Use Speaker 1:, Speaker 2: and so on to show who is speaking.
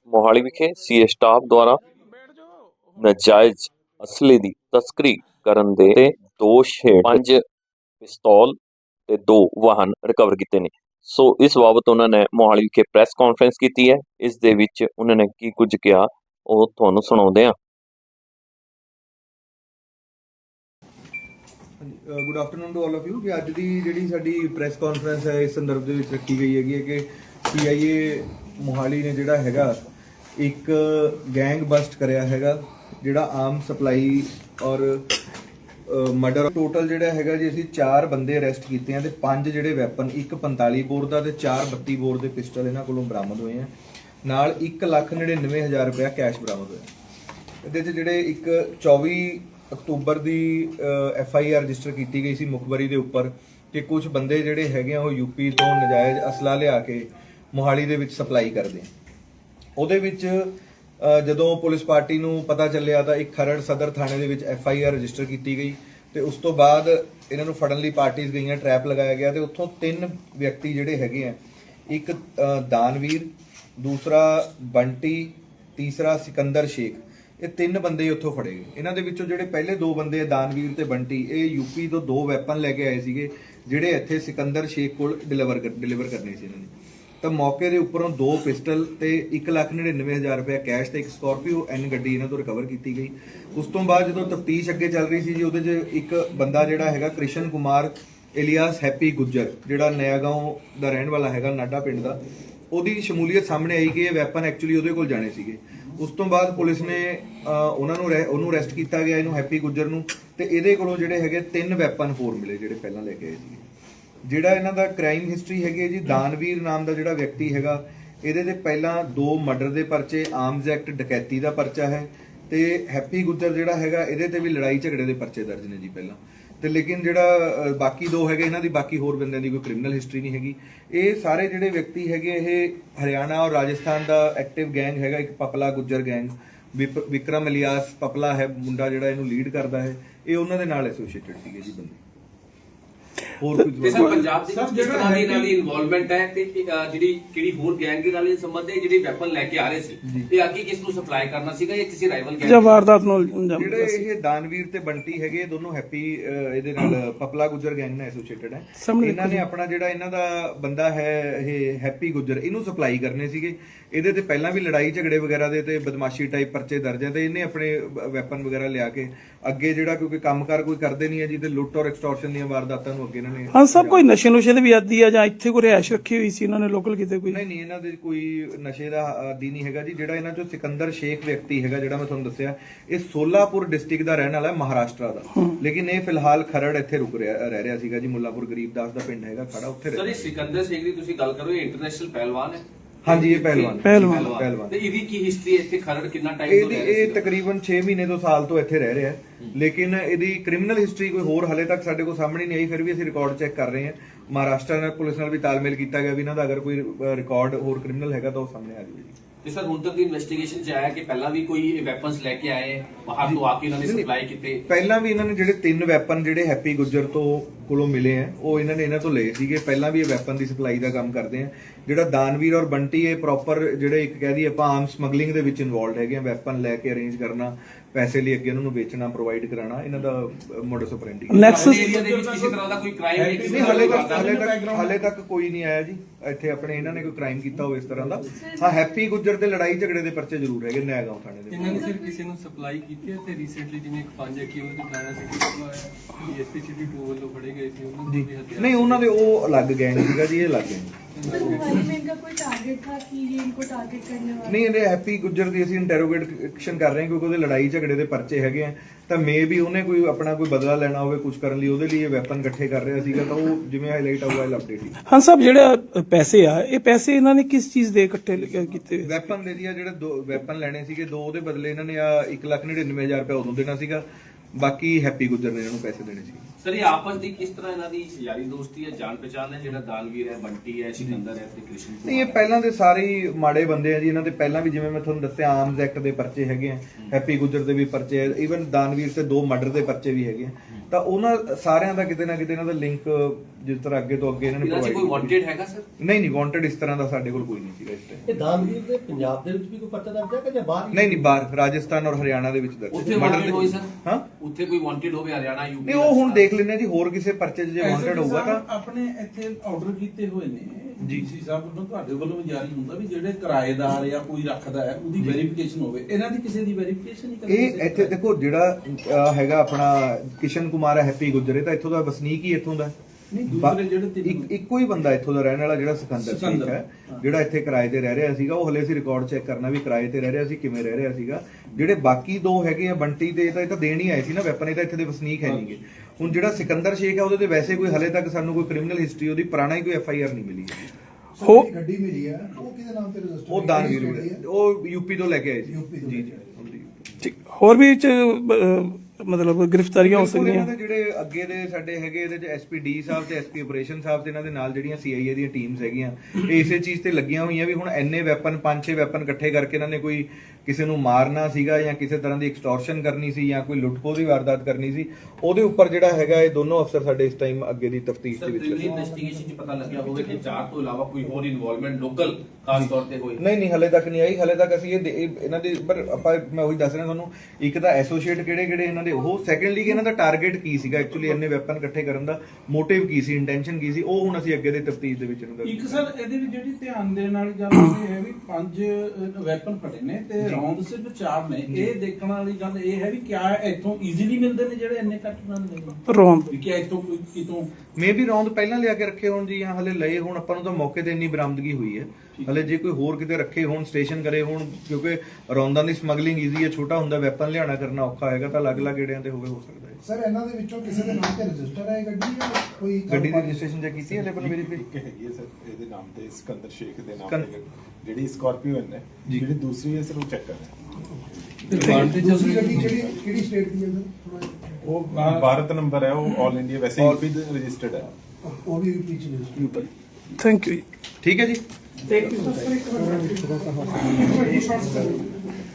Speaker 1: ਮੋਹਾਲੀ ਵਿਖੇ CA staff ਦੁਆਰਾ ਨਾਜਾਇਜ਼ ਅਸਲੇ ਦੀ ਤਸਕਰੀ ਕਰਨ ਦੇ ਦੋਸ਼ ਹੇਠ 5 ਪਿਸਤੌਲ ਤੇ 2 ਵਾਹਨ ਰਿਕਵਰ ਕੀਤੇ ਨੇ। ਸੋ ਇਸ ਬਾਬਤ ਉਹਨਾਂ ਨੇ ਮੋਹਾਲੀ ਵਿਖੇ ਪ੍ਰੈਸ ਕਾਨਫਰੰਸ ਕੀਤੀ ਹੈ। ਇਸ ਦੇ ਵਿੱਚ ਉਹਨਾਂ ਨੇ ਕੀ ਕੁਝ ਕਿਹਾ ਉਹ ਤੁਹਾਨੂੰ ਸੁਣਾਉਂਦੇ ਹਾਂ।
Speaker 2: Good afternoon to all of you. ਕਿ ਅੱਜ ਦੀ ਜਿਹੜੀ ਸਾਡੀ ਪ੍ਰੈਸ ਕਾਨਫਰੰਸ ਹੈ ਇਸ ਸੰਦਰਭ ਦੇ ਵਿੱਚ ਰੱਖੀ ਗਈ ਹੈਗੀ ਹੈ ਕਿ ਸੀਆਈਏ ਮੋਹਾਲੀ ਨੇ ਜਿਹੜਾ ਹੈਗਾ ਇੱਕ ਗੈਂਗ ਬਸਟ ਕਰਿਆ ਹੈਗਾ ਜਿਹੜਾ ਆਮ ਸਪਲਾਈ ਔਰ ਮਰਡਰ। ਟੋਟਲ ਜਿਹੜਾ ਹੈਗਾ ਜੀ ਅਸੀਂ 4 ਬੰਦੇ ਅਰੈਸਟ ਕੀਤੇ ਆ ਤੇ 5 ਜਿਹੜੇ ਵੈਪਨ, ਇੱਕ 45 ਬੋਰ ਦਾ ਤੇ 4 32 ਬੋਰ ਦੇ ਪਿਸਟਲ ਇਹਨਾਂ ਕੋਲੋਂ ਬਰਾਮਦ ਹੋਏ ਆ। ਨਾਲ 1,99,000 ਰੁਪਇਆ ਕੈਸ਼ ਬਰਾਮਦ ਹੋਇਆ। ਇਹਦੇ 'ਚ ਜਿਹੜੇ ਇੱਕ 24 ਅਕਤੂਬਰ ਦੀ FIR ਰਜਿਸਟਰ ਕੀਤੀ ਗਈ ਸੀ ਮੁਖਬਰੀ ਦੇ ਉੱਪਰ ਕਿ ਕੁਝ ਬੰਦੇ ਜਿਹੜੇ ਹੈਗੇ ਆ ਉਹ ਯੂਪੀ ਤੋਂ ਨਜਾਇਜ਼ ਅਸਲਾ ਲਿਆ ਕੇ ਮੋਹਾਲੀ ਦੇ ਵਿੱਚ ਸਪਲਾਈ ਕਰਦੇ ਆ। ਉਹਦੇ ਵਿੱਚ ਜਦੋਂ ਪੁਲਿਸ ਪਾਰਟੀ ਨੂੰ ਪਤਾ ਚੱਲਿਆ ਤਾਂ ਇੱਕ ਖਰੜ ਸਦਰ ਥਾਣੇ ਦੇ ਵਿੱਚ FIR ਰਜਿਸਟਰ ਕੀਤੀ ਗਈ ਤੇ ਉਸ ਤੋਂ ਬਾਅਦ ਇਹਨਾਂ ਨੂੰ ਫੜਨ ਲਈ ਪਾਰਟੀਆਂ ਗਈਆਂ, ਟਰੈਪ ਲਗਾਇਆ ਗਿਆ ਤੇ ਉੱਥੋਂ 3 ਵਿਅਕਤੀ ਜਿਹੜੇ ਹੈਗੇ ਆ, ਇੱਕ ਦਾਨਵੀਰ, ਦੂਸਰਾ ਬੰਟੀ, ਤੀਸਰਾ ਸਿਕੰਦਰ ਸ਼ੇਖ, ਇਹ 3 ਬੰਦੇ ਉੱਥੋਂ ਫੜੇ ਗਏ। ਇਹਨਾਂ ਦੇ ਵਿੱਚੋਂ ਜਿਹੜੇ ਪਹਿਲੇ 2 ਬੰਦੇ ਦਾਨਵੀਰ ਤੇ ਬੰਟੀ ਇਹ ਯੂਪੀ ਤੋਂ 2 ਵੈਪਨ ਲੈ ਕੇ ਆਏ ਸੀਗੇ ਜਿਹੜੇ ਇੱਥੇ ਸਿਕੰਦਰ ਸ਼ੇਖ ਕੋਲ ਡਿਲੀਵਰ ਕਰਨੇ ਸੀ ਇਹਨਾਂ ਨੇ। ਤਾਂ ਮੌਕੇ ਦੇ ਉੱਪਰੋਂ 2 ਪਿਸਟਲ ਤੇ 1,99,000 ਰੁਪਏ ਕੈਸ਼ ਤੇ ਇੱਕ ਸਕੋਰਪੀਓ N ਗੱਡੀ ਇਹਨਾਂ ਤੋਂ ਰਿਕਵਰ ਕੀਤੀ ਗਈ। ਉਸ ਤੋਂ ਬਾਅਦ ਜਦੋਂ ਤਫਤੀਸ਼ ਅੱਗੇ ਚੱਲ ਰਹੀ ਸੀ ਜੀ ਉਹਦੇ 'ਚ ਇੱਕ ਬੰਦਾ ਜਿਹੜਾ ਹੈਗਾ ਕ੍ਰਿਸ਼ਨ ਕੁਮਾਰ ਇਲੀਆਸ ਹੈਪੀ ਗੁੱਜਰ ਜਿਹੜਾ ਨਇਆਗਾਉਂ ਦਾ ਰਹਿਣ ਵਾਲਾ ਹੈਗਾ, ਨਾਡਾ ਪਿੰਡ ਦਾ, ਉਹਦੀ ਸ਼ਮੂਲੀਅਤ ਸਾਹਮਣੇ ਆਈ ਕਿ ਇਹ ਵੈਪਨ ਐਕਚੁਅਲੀ ਉਹਦੇ ਕੋਲ ਜਾਣੇ ਸੀਗੇ। ਉਸ ਤੋਂ ਬਾਅਦ ਪੁਲਿਸ ਨੇ ਉਹਨੂੰ ਅਰੈਸਟ ਕੀਤਾ ਗਿਆ, ਇਹਨੂੰ ਹੈਪੀ ਗੁੱਜਰ ਨੂੰ, ਤੇ ਇਹਦੇ ਕੋਲੋਂ ਜਿਹੜੇ ਹੈਗੇ 3 ਵੈਪਨ ਹੋਰ ਮਿਲੇ ਜਿਹੜੇ ਪਹਿਲਾਂ ਲੈ ਕੇ ਆਏ ਸੀਗੇ। ਜਿਹੜਾ ਇਹਨਾਂ ਦਾ ਕ੍ਰਾਈਮ ਹਿਸਟਰੀ ਹੈਗੀ ਜੀ, ਦਾਨਵੀਰ ਨਾਮ ਦਾ ਜਿਹੜਾ ਵਿਅਕਤੀ ਹੈਗਾ ਇਹਦੇ ਤੇ ਪਹਿਲਾਂ 2 ਮਰਡਰ ਦੇ ਪਰਚੇ, ਆਰਮਜ਼ ਐਕਟ ਡਕੈਤੀ ਦਾ ਪਰਚਾ ਹੈ ਤੇ ਹੈਪੀ ਗੁੱਜਰ ਜਿਹੜਾ ਹੈਗਾ ਇਹਦੇ ਤੇ ਵੀ ਲੜਾਈ ਝਗੜੇ ਦੇ ਪਰਚੇ ਦਰਜ ਨੇ ਜੀ ਪਹਿਲਾਂ। ਤੇ ਲੇਕਿਨ ਜਿਹੜਾ ਬਾਕੀ 2 ਹੈਗੇ ਇਹਨਾਂ ਦੀ ਬਾਕੀ ਹੋਰ ਬੰਦਿਆਂ ਦੀ ਕੋਈ ਕ੍ਰਿਮੀਨਲ ਹਿਸਟਰੀ ਨਹੀਂ ਹੈਗੀ। ਇਹ ਸਾਰੇ ਜਿਹੜੇ ਵਿਅਕਤੀ ਹੈਗੇ ਇਹ ਹਰਿਆਣਾ ਔਰ ਰਾਜਸਥਾਨ ਦਾ ਐਕਟਿਵ ਗੈਂਗ ਹੈਗਾ, ਇੱਕ ਪਪਲਾ ਗੁੱਜਰ ਗੈਂਗ, ਵਿਕਰਮ ਇਲੀਆਸ ਪਪਲਾ ਹੈ ਮੁੰਡਾ ਜਿਹੜਾ ਇਹਨੂੰ ਲੀਡ ਕਰਦਾ ਹੈ, ਇਹ ਉਹਨਾਂ ਦੇ ਨਾਲ ਐਸੋਸੀਏਟਡ ਸੀਗੇ ਜੀ ਬੰਦੇ।
Speaker 3: ਹੋਰ ਕੁਝ ਸਰ ਪੰਜਾਬ ਦੇ ਵਿੱਚ ਕਿਸ ਤਰ੍ਹਾਂ ਦੀ ਨਾਲ ਇਨਵੋਲਵਮੈਂਟ ਹੈ ਤੇ ਜਿਹੜੀ ਕਿਹੜੀ ਹੋਰ ਗੈਂਗ ਦੇ ਨਾਲ ਇਹ ਸੰਬੰਧ ਹੈ ਜਿਹੜੇ ਵੈਪਨ ਲੈ ਕੇ ਆ ਰਹੇ ਸੀ ਇਹ ਅੱਗੇ ਕਿਸ ਨੂੰ ਸਪਲਾਈ ਕਰਨਾ ਸੀਗਾ ਜਾਂ ਕਿਸੇ ਰਾਈਵਲ ਗੈਂਗ
Speaker 4: ਜਾਂ ਵਾਰਦਾਤ ਨੂੰ
Speaker 2: ਜਿਹੜੇ ਇਹ ਦਾਨਵੀਰ ਤੇ ਬੰਟੀ ਹੈਗੇ ਦੋਨੋਂ ਹੈਪੀ ਇਹਦੇ ਨਾਲ ਪਪਲਾ ਗੁੱਜਰ ਗੈਂਗ ਨਾਲ ਐਸੋਸੀਏਟਡ ਹੈ। ਇਹਨਾਂ ਨੇ ਆਪਣਾ ਜਿਹੜਾ ਇਹਨਾਂ ਦਾ ਬੰਦਾ ਹੈ ਇਹ ਹੈਪੀ ਗੁੱਜਰ ਇਹਨੂੰ ਸਪਲਾਈ ਕਰਨੇ ਸੀਗੇ। ਇਹਦੇ ਤੇ ਪਹਿਲਾਂ ਵੀ ਲੜਾਈ ਝਗੜੇ ਵਗੈਰਾ ਦੇ ਤੇ ਬਦਮਾਸ਼ੀ ਟਾਈਪ ਪਰਚੇ ਦਰਜ ਹੈ ਤੇ ਇਹਨੇ ਆਪਣੇ ਵੈਪਨ ਵਗੈਰਾ ਲਿਆ ਕੇ ਅੱਗੇ ਜਿਹੜਾ ਕਿਉਂਕਿ ਕੰਮਕਾਰ ਕੋਈ ਕਰਦੇ ਨਹੀਂ ਹੈ ਜੀ ਤੇ ਲੁੱਟ ਔਰ ਐਕਸਟੋਰਸ਼ਨ ਦੀਆਂ ਵਾਰਦਾਤਾਂ ਨੂੰ ਅੱਗੇ
Speaker 4: ਹਾਂ ਸਭ ਕੋਈ ਨਸ਼ੇ ਨੁਸ਼ੇ ਦੇ ਵੀ ਆਦੀ ਆ ਜਾਂ ਇੱਥੇ ਕੋਈ ਰਿਹਾਇਸ਼ ਰੱਖੀ ਹੋਈ ਸੀ ਇਹਨਾਂ ਨੇ ਲੋਕਲ ਕਿਤੇ ਕੋਈ
Speaker 2: ਨਹੀਂ ਇਹਨਾਂ ਦੇ ਕੋਈ ਨਸ਼ੇ ਦਾ ਆਦੀ ਨਹੀਂ ਹੈਗਾ ਜੀ। ਜਿਹੜਾ ਇਹਨਾਂ ਚੋਂ ਸਿਕੰਦਰ ਸ਼ੇਖ ਵਿਅਕਤੀ ਹੈਗਾ ਜਿਹੜਾ ਮੈਂ ਤੁਹਾਨੂੰ ਦੱਸਿਆ ਇਹ ਸੋਲਾਪੁਰ ਡਿਸਟ੍ਰਿਕਟ ਦਾ ਰਹਿਣ ਵਾਲਾ ਹੈ, ਮਹਾਰਾਸ਼ਟਰ ਦਾ, ਲੇਕਿਨ ਇਹ ਫਿਲਹਾਲ ਖਰੜ ਇੱਥੇ ਰਹਿ ਰਿਹਾ ਸੀਗਾ ਜੀ। ਮੁੱਲਾਪੁਰ ਗਰੀਬਦਾਸ ਦਾ ਪਿੰਡ ਹੈਗਾ ਖੜਾ ਉੱਥੇ।
Speaker 3: ਸਰ ਇਹ ਸਿਕੰਦਰ ਸ਼ੇਖ ਦੀ ਤੁਸੀਂ ਗੱਲ ਕਰੋ, ਇਹ ਇੰਟਰਨੈਸ਼ਨਲ ਪਹਿਲਵਾਨ ਹੈ।
Speaker 2: ਹਾਂਜੀ ਇਹ ਪਹਿਲਵਾਨ
Speaker 3: ਤੇ ਇਹਦੀ ਕੀ ਹਿਸਟਰੀ ਇੱਥੇ ਖਰੜ ਕਿੰਨਾ ਟਾਈਮ ਤੋਂ ਰਹਿ ਰਿਹਾ ਸੀ?
Speaker 2: ਇਹ ਤਕਰੀਬਨ 6 ਮਹੀਨੇ ਤੋਂ ਸਾਲ ਤੋਂ ਇੱਥੇ ਰਹਿ ਰਿਹਾ ਲੇਕਿਨ ਇਹਦੀ ਕ੍ਰਿਮੀਨਲ ਹਿਸਟਰੀ ਕੋਈ ਹੋਰ ਹਲੇ ਤੱਕ ਸਾਡੇ ਕੋਲ ਸਾਹਮਣੇ ਨਹੀਂ ਆਈ। ਫਿਰ ਵੀ ਅਸੀਂ ਰਿਕਾਰਡ ਚੈੱਕ ਕਰ ਰਹੇ ਹਾਂ। ਮਹਾਰਾਸ਼ਟਰ ਨਾਲ ਪੁਲਿਸ ਨਾਲ ਵੀ ਤਾਲਮੇਲ ਕੀਤਾ ਗਿਆ ਵੀ ਇਹਨਾਂ ਦਾ ਅਗਰ ਕੋਈ ਰਿਕਾਰਡ ਹੋਰ ਕ੍ਰਿਮੀਨਲ ਹੈਗਾ ਤਾਂ ਉਹ ਸਾਹਮਣੇ ਆ ਜਾਵੇ ਜੀ।
Speaker 3: ਤੇ ਸਰ ਹੁਣ ਤੱਕ ਦੀ ਇਨਵੈਸਟੀਗੇਸ਼ਨ 'ਚ ਆਇਆ ਕਿ ਪਹਿਲਾਂ ਵੀ ਕੋਈ ਵੈਪਨਸ ਲੈ ਕੇ ਆਏ ਬਾਹਰ ਤੋਂ ਆ ਕੇ ਇਹਨਾਂ ਨੇ ਸਪਲਾਈ ਕੀਤੇ?
Speaker 2: ਪਹਿਲਾਂ ਵੀ ਇਹਨਾਂ ਨੇ ਜਿਹੜੇ 3 ਵੈਪਨ ਜਿਹੜੇ ਹੈਪੀ ਗੁੱਜਰ ਤੋਂ ਕੋਲੋਂ ਮਿਲੇ ਆ ਉਹ ਇਹਨਾਂ ਤੋਂ ਲਏ ਸੀਗੇ। ਪਹਿਲਾਂ ਵੀ ਇਹ ਵੈਪਨ ਦੀ ਸਪਲਾਈ ਦਾ ਕੰਮ ਕਰਦੇ ਆ। ਜਿਹੜਾ ਦਾਨਵੀਰ ਔਰ ਬੰਟੀ ਇਹ ਪ੍ਰੋਪਰ ਜਿਹੜੇ ਇੱਕ ਕਹਿ ਦਈਏ ਆਪਾਂ ਆਰਮ ਸਮਗਲਿੰਗ ਦੇ ਵਿੱਚ ਇਨਵੋਲਡ ਹੈਗੇ ਆ। ਵੈਪਨ ਲੈ ਕੇ ਅਰੇਂਜ ਕਰਨਾ, ਪੈਸੇ ਲਈ ਅੱਗੇ ਉਹਨਾਂ ਨੂੰ ਵੇਚਣਾ, ਪ੍ਰੋਵਾਈਡ ਕਰਾਉਣਾ, ਇਹਨਾਂ ਦਾ ਮੋਡਸ ਆਪਰੈਂਡੀ।
Speaker 4: ਨੈਕਸਸ
Speaker 3: ਏਰੀਆ ਦੇ ਵਿੱਚ ਕਿਸੇ ਤਰ੍ਹਾਂ ਦਾ ਕੋਈ ਕ੍ਰਾਈਮ
Speaker 2: ਨਹੀਂ ਹਾਲੇ ਤੱਕ ਕੋਈ ਨਹੀਂ ਆਇਆ ਜੀ ਇੱਥੇ ਆਪਣੇ ਇਹਨਾਂ ਨੇ ਕੋਈ ਕ੍ਰਾਈਮ ਕੀਤਾ ਹੋਵੇ ਇਸ ਤਰ੍ਹਾਂ ਦਾ। ਹਾਂ ਹੈਪੀ ਗੁੱਜਰ ਤੇ ਲੜਾਈ ਝਗੜੇ ਦੇ ਪਰਚੇ ਜ਼ਰੂਰ ਹੈਗੇ ਨਇਆਗਾਉਂ ਥਾਣੇ ਦੇ।
Speaker 5: ਇਹਨਾਂ ਨੇ ਸਿਰ ਕਿਸੇ ਨੂੰ ਸਪਲਾਈ ਕੀਤੀ ਹੈ ਤੇ ਰੀਸੈਂਟਲੀ ਜਿਵੇਂ ਇੱਕ 5 ਕਿਲੋ ਦੀ ਥਾਣਾ ਸੀ ਡੀਐਸਪੀ ਸਿਟੀ 2 ਵੱਲੋਂ ਫੜੇ ਗਏ ਸੀ ਉਹਨਾਂ ਨੂੰ ਵੀ ਹਥਿਆਰ
Speaker 2: ਨਹੀਂ ਉਹਨਾਂ ਦੇ ਉਹ ਅਲੱਗ ਗੈਂਗ ਸੀਗਾ ਜੀ, ਇਹ ਅਲੱਗ ਗੈਂਗ। ਨਹੀਂ ਇਹਦੇ ਹੈਪੀ ਗੁੱਜਰ ਦੀ ਅਸੀਂ ਇੰਟਰੋਗੇਸ਼ਨ ਕਰ ਰਹੇ ਹਾਂ ਕਿਉਂਕਿ ਉਹਦੇ ਲੜਾਈ ਝਗੜੇ ਦੇ ਪਰਚੇ ਹੈਗੇ ਆ ਤਾਂ ਮੇ ਵੀ ਉਹਨੇ ਕੋਈ ਆਪਣਾ ਕੋਈ ਬਦਲਾ ਲੈਣਾ ਹੋਵੇ ਕੁਝ ਕਰਨ ਲਈ ਉਹਦੇ ਲਈ ਇਹ ਵੈਪਨ ਇਕੱਠੇ ਕਰ ਰਿਹਾ ਸੀਗਾ ਤਾਂ ਉਹ ਜਿਵੇਂ ਹਾਈਲਾਈਟ ਆਊਗਾ ਅਪਡੇਟ ਹੀ।
Speaker 4: ਹਾਂ ਸਾਹਿਬ ਜਿਹੜੇ ਪੈਸੇ ਆ ਇਹ ਪੈਸੇ ਇਹਨਾਂ ਨੇ ਕਿਸ ਚੀਜ਼ ਦੇ ਇਕੱਠੇ ਕੀਤੇ?
Speaker 2: ਵੈਪਨ ਦੇ ਦਿਆ ਜਿਹੜੇ 2 ਵੈਪਨ ਲੈਣੇ ਸੀਗੇ 2 ਉਹਦੇ ਬਦਲੇ ਇਹਨਾਂ ਨੇ 1,99,000 ਰੁਪਏ ਉਦੋਂ ਦੇਣਾ ਸੀਗਾ। ਬਾਕੀ ਹੈਪੀ ਗੁੱਜਰ ਨੇ ਇਹਨਾਂ ਨੂੰ ਪੈਸੇ ਦੇਣੇ ਸੀ।
Speaker 3: ਸਰ ਇਹ ਆਪਸ ਦੀ ਕਿਸ ਤਰ੍ਹਾਂ ਇਹਨਾਂ ਦੀ ਯਾਰੀ ਦੋਸਤੀ ਹੈ, ਜਾਣ ਪਛਾਣ ਹੈ? ਜਿਹੜਾ ਦਾਨਵੀਰ ਹੈ, ਬੰਟੀ ਹੈ, ਸਿਕੰਦਰ ਹੈ ਤੇ ਕ੍ਰਿਸ਼ਨ
Speaker 2: ਨਹੀਂ, ਇਹ ਪਹਿਲਾਂ ਦੇ ਸਾਰੇ ਹੀ ਮਾੜੇ ਬੰਦੇ ਆ ਜੀ। ਇਹਨਾਂ ਦੇ ਪਹਿਲਾਂ ਵੀ ਜਿਵੇਂ ਮੈਂ ਤੁਹਾਨੂੰ ਦੱਸਿਆ ਆਰਮਸ ਐਕਟ ਦੇ ਪਰਚੇ ਹੈਗੇ ਆ, ਹੈਪੀ ਗੁੱਜਰ ਦੇ ਵੀ ਪਰਚੇ ਹੈ, ਈਵਨ ਦਾਨਵੀਰ ਤੇ 2 ਮਰਡਰ ਦੇ ਪਰਚੇ ਵੀ ਹੈਗੇ ਆ। ਤਾਂ ਉਹਨਾਂ ਸਾਰਿਆਂ ਦਾ ਕਿਤੇ ਨਾ ਕਿਤੇ ਇਹਨਾਂ ਦਾ ਲਿੰਕ ਜਿਸ ਤਰ੍ਹਾਂ ਅੱਗੇ ਤੋਂ ਅੱਗੇ ਇਹਨਾਂ ਨੇ
Speaker 3: ਇਹਨਾਂ 'ਚ ਕੋਈ
Speaker 2: provide
Speaker 3: ਵਾਂਟਡ ਹੈਗਾ ਸਰ?
Speaker 2: ਨਹੀਂ ਵਾਂਟਡ ਇਸ ਤਰ੍ਹਾਂ ਦਾ ਸਾਡੇ ਕੋਲ ਕੋਈ ਨਹੀਂ ਸੀਗਾ ਇਸ ਟਾਈਮ।
Speaker 6: ਇਹ ਦਾਨਵੀਰ ਦੇ ਪੰਜਾਬ ਦੇ ਵਿੱਚ ਵੀ ਕੋਈ ਪਰਚਾ ਦਰਜ ਹੈ ਕਿ ਜਾਂ ਬਾਹਰ?
Speaker 2: ਨਹੀਂ ਬਾਹਰ ਰਾਜਸਥਾਨ ਔਰ ਹਰਿਆਣਾ ਦੇ ਵਿੱਚ ਦਰਜ
Speaker 3: ਉੱਥੇ
Speaker 2: ਹੈ। Murder
Speaker 3: ਵਾਂਟਡ ਹੋਈ ਸਰ?
Speaker 2: ਹਾਂ,
Speaker 3: ਉੱਥੇ ਕੋਈ ਵਾਂਟਡ ਹੋਵੇ ਹਰਿਆਣਾ, ਯੂਪੀ?
Speaker 2: ਨਹੀਂ ਉਹ ਹੁਣ ਦੇਖ ਲੈਂਦੇ ਆ ਜੀ, ਹੋਰ ਕਿਸੇ ਪਰਚੇ 'ਚ ਜੇ ਵਾਂਟਡ ਹੋਊਗਾ ਤਾਂ
Speaker 7: ਆਪਣੇ ਇੱਥੇ ਆਰਡਰ ਕੀਤੇ ਹੋਏ ਨੇ
Speaker 2: ਜੀ।
Speaker 7: ਡੀਸੀ ਸਾਹਿਬ ਵੱਲੋਂ, ਤੁਹਾਡੇ ਵੱਲੋਂ ਵੀ ਜਾਰੀ ਹੁੰਦਾ ਵੀ ਜਿਹੜੇ ਕਿਰਾਏਦਾਰ ਜਾਂ ਕੋਈ ਰੱਖਦਾ ਹੈ ਉਹਦੀ ਵੈਰੀਫਿਕੇਸ਼ਨ ਹੋਵੇ। ਇਹਨਾਂ ਦੀ ਕਿਸੇ ਦੀ ਵੈਰੀਫਿਕੇਸ਼ਨ ਨਹੀਂ ਕਰਨੀ?
Speaker 2: ਇਹ ਇੱਥੇ ਦੇਖੋ ਜਿਹੜਾ ਹੈਗਾ ਆਪਣਾ ਕਿਸ਼ਨ ਕੁਮਾਰ ਹੈ, ਹੈਪੀ ਗੁੱਜਰੇ, ਤਾਂ ਇੱਥੋਂ ਦਾ ਵਸਨੀਕ ਹੀ ਇੱਥੋਂ ਦਾ।
Speaker 7: ਨਹੀਂ, ਦੂਸਰੇ ਜਿਹੜੇ ਤਿੰਨ
Speaker 2: ਇੱਕੋ ਹੀ ਬੰਦਾ ਇੱਥੋਂ ਦਾ ਰਹਿਣ ਵਾਲਾ ਜਿਹੜਾ ਸਿਕੰਦਰ ਸਿੰਘ ਹੈ, ਜਿਹੜਾ ਇੱਥੇ ਕਿਰਾਏ ਤੇ ਰਹਿ ਰਿਹਾ ਸੀਗਾ। ਉਹ ਹਲੇ ਅਸੀਂ ਰਿਕਾਰਡ ਚੈੱਕ ਕਰਨਾ ਵੀ ਕਿਰਾਏ ਤੇ ਰਹਿ ਰਿਹਾ ਸੀ, ਕਿਵੇਂ ਰਹਿ ਰਿਹਾ ਸੀਗਾ। ਜਿਹੜੇ ਬਾਕੀ 2 ਹੈਗੇ ਆ ਬੰਟੀ ਤੇ, ਇਹ ਤਾਂ ਦੇਣ ਹੀ ਆਏ ਸੀ ਨਾ ਵੈਪਨ, ਇਹ ਤਾਂ ਇੱਥੇ ਦੇ ਵਸਨੀਕ ਹੈ ਨਹੀਂਗੇ। ਹੁਣ ਜਿਹੜਾ ਸਿਕੰਦਰ ਸ਼ੇਖ ਹੈ ਉਹਦੇ ਤੇ ਵੈਸੇ ਕੋਈ ਹਲੇ ਤੱਕ ਸਾਨੂੰ ਕੋਈ ਕ੍ਰਿਮੀਨਲ ਹਿਸਟਰੀ ਉਹਦੀ ਪੁਰਾਣਾ ਹੀ ਕੋਈ FIR ਨਹੀਂ ਮਿਲੀ।
Speaker 4: ਹੋ
Speaker 6: ਗੱਡੀ ਮਿਲੀ ਹੈ ਉਹ ਕਿਹਦੇ ਨਾਮ ਤੇ ਰਜਿਸਟਰ?
Speaker 2: ਉਹ ਦਾਨਵੀਰ, ਉਹ ਯੂਪੀ ਤੋਂ ਲੈ ਕੇ ਆਏ ਸੀ ਜੀ ਜੀ।
Speaker 4: ਠੀਕ, ਹੋਰ ਵੀ ਇਹ 'ਚ ਮਤਲਬ ਗ੍ਰਿਫਤਾਰੀਆਂ ਹੋ
Speaker 2: ਬਿਲਕੁਲ,
Speaker 4: ਸਕਦੀਆਂ?
Speaker 2: ਇਹਨਾਂ ਦੇ ਜਿਹੜੇ ਅੱਗੇ ਦੇ ਸਾਡੇ ਹੈਗੇ ਇਹਦੇ ਚ SP ਸਾਹਿਬ ਤੇ SP ਆਪਰੇਸ਼ਨ ਸਾਹਿਬ ਤੇ ਇਹਨਾਂ ਦੇ ਨਾਲ ਜਿਹੜੀਆਂ CIA ਦੀਆਂ ਟੀਮਸ ਹੈਗੀਆਂ, ਇਹ ਇਸੇ ਚੀਜ਼ ਤੇ ਲੱਗੀਆਂ ਹੋਈਆਂ ਵੀ ਹੁਣ ਇੰਨੇ ਵੈਪਨ 5-6 ਵੈਪਨ ਇਕੱਠੇ ਕਰਕੇ ਇਹਨਾਂ ਨੇ ਕੋਈ ਕਿਸੇ ਨੂੰ ਮਾਰਨਾ ਸੀਗਾ ਜਾਂ ਕਿਸੇ ਤਰ੍ਹਾਂ ਦੀ ਐਕਸਟੋਰਸ਼ਨ ਕਰਨੀ ਸੀ ਜਾਂ ਕੋਈ ਲੁੱਟਖੋ ਦੀ ਵਾਰਦਾਤ ਕਰਨੀ ਸੀ। ਉਹਦੇ ਉੱਪਰ ਜਿਹੜਾ ਹੈਗਾ ਇਹ ਦੋਨੋਂ ਅਫਸਰ ਸਾਡੇ ਇਸ ਟਾਈਮ ਅੱਗੇ ਦੀ ਤਫਤੀਸ਼ ਦੇ
Speaker 3: ਸਰ
Speaker 2: ਵਿੱਚ
Speaker 3: ਪ੍ਰੀਵੀਅਸ ਇਨਵੈਸਟੀਗੇਸ਼ਨ 'ਚ ਪਤਾ ਲੱਗਿਆ ਹੋਵੇ ਕਿ 4 ਤੋਂ ਇਲਾਵਾ ਕੋਈ ਹੋਰ ਇਨਵੋਲਵਮੈਂਟ ਲੋਕਲ ਖਾਸ ਤੌਰ ਤੇ ਹੋਈ?
Speaker 2: ਨਹੀਂ ਹਲੇ ਤੱਕ ਨਹੀਂ ਆਈ। ਹਲੇ ਤੱਕ ਅਸੀਂ ਇਹਨਾਂ ਦੇ ਪਰ ਆਪਾਂ ਮੈਂ ਉਹੀ ਦੱਸ ਰਿਹਾ ਤੁਹਾਨੂੰ, ਇੱਕ ਤਾਂ ਐਸੋਸੀਏਟ ਕਿਹੜੇ ਇਹਨਾਂ ਦੇ, ਉਹ ਸੈਕੰਡਲੀ ਕਿ ਇਹਨਾਂ ਦਾ ਟਾਰਗੇਟ ਕੀ ਸੀਗਾ, ਐਕਚੁਅਲੀ ਇੰਨੇ ਵੈਪਨ ਇਕੱਠੇ ਕਰਨ ਦਾ ਮੋਟਿਵ ਕੀ ਸੀ, ਇੰਟੈਂਸ਼ਨ ਕੀ ਸੀ, ਉਹ ਹੁਣ ਅਸੀਂ ਅੱਗੇ ਦੇ ਤਫਤੀਸ਼ ਦੇ ਵਿੱਚ ਇਹਨਾਂ
Speaker 7: ਇੱਕ ਸਰ ਇਹਦੇ ਵਿੱਚ ਜਿਹੜੀ ਧਿਆਨ ਦੇਣ ਵਾਲੀ ਗੱਲ ਇਹ ਹੈ ਵੀ 5 ਵੈਪਨ ਫੜੇ ਨੇ ਤੇ ਰੌਂਦ ਸਿਰਫ 4 ਨੇ। ਇਹ ਦੇਖਣ ਵਾਲੀ ਗੱਲ ਇਹ ਹੈ ਵੀ ਕਿਆ ਇੱਥੋਂ ਈਜ਼ੀਲੀ ਮਿਲਦੇ ਨੇ ਜਿਹੜੇ ਇੰਨੇ ਘੱਟ ਬਣਦੇ ਨੇ
Speaker 4: ਰੌਂਦ
Speaker 7: ਵੀ ਕਿਆ ਇੱਥੋਂ ਕੋਈ ਕਿਤੋਂ
Speaker 2: ਮੇਬੀ ਰੌਂਦ ਪਹਿਲਾਂ ਲਿਆ ਕੇ ਰੱਖੇ ਹੋਣ ਜੀ, ਜਾਂ ਹਲੇ ਲਏ ਹੋਣ। ਆਪਾਂ ਨੂੰ ਤਾਂ ਮੌਕੇ ਤੇ ਇੰਨੀ ਬਰਾਮਦਗੀ ਹੋਈ ਹੈ। ਹਲੇ ਜੇ ਕੋਈ ਹੋਰ ਕਿਤੇ ਰੱਖੇ ਹੋਣ, ਸਟੇਸ਼ਨ ਕਰੇ ਹੋਣ, ਕਿਉਂਕਿ ਰੌਂਦਾਂ ਦੀ ਸਮਗਲਿੰਗ ਈਜ਼ੀ ਹੈ, ਛੋਟਾ ਹੁੰਦਾ, ਵੈਪਨ ਲਿਆਣਾ ਕਰਨਾ ਔਖਾ ਹੈਗਾ, ਤਾਂ ਅਲੱਗ-ਅਲੱਗ ਏੜਿਆਂ ਤੇ ਹੋ ਸਕਦਾ ਹੈ।
Speaker 6: ਸਰ ਇਹਨਾਂ ਦੇ ਵਿੱਚੋਂ ਕਿਸੇ ਦੇ ਨਾਮ ਤੇ ਰਜਿਸਟਰ ਹੈ ਗੱਡੀ ਜਾਂ ਕੋਈ
Speaker 2: ਗੱਡੀ ਦੀ ਰਜਿਸਟ੍ਰੇਸ਼ਨ ਚੈੱਕ ਕੀਤੀ ਹੈ ਹਲੇ ਪਰ ਵੈਰੀਫਾਈ
Speaker 8: ਇੱਕ ਹੈਗੀ ਹੈ ਸਰ ਇਹਦੇ ਨਾਮ ਤੇ, ਸਿਕੰਦਰ ਸ਼ੇਖ ਦੇ ਨਾਮ
Speaker 2: ਕੰ-
Speaker 8: ਤੇ ਜਿਹੜੀ ਸਕਾਰਪੀਓ ਹੈ, ਜਿਹੜੀ ਦੂਸਰੀ ਹੈ ਸਰ ਉਹ ਚੈੱਕ ਕਰ ਰਹੇ
Speaker 6: ਦੂਸਰੀ ਗੱਡੀ ਕਿਹੜੀ ਸਟੇਟ ਦੀ ਹੈ ਸਰ? ਥੋੜਾ
Speaker 8: ਉਹ ਭਾਰਤ ਨੰਬਰ ਹੈ, ਉਹ ਆਲ ਇੰਡੀਆ ਵੈਸੇ यूपी ਦੇ ਰਜਿਸਟਰਡ ਹੈ।
Speaker 6: ਉਹ ਵੀ ਪਿੱਛੇ ਨੇ।
Speaker 4: Thank you.
Speaker 2: ਠੀਕ ਹੈ ਜੀ।
Speaker 4: Thank you.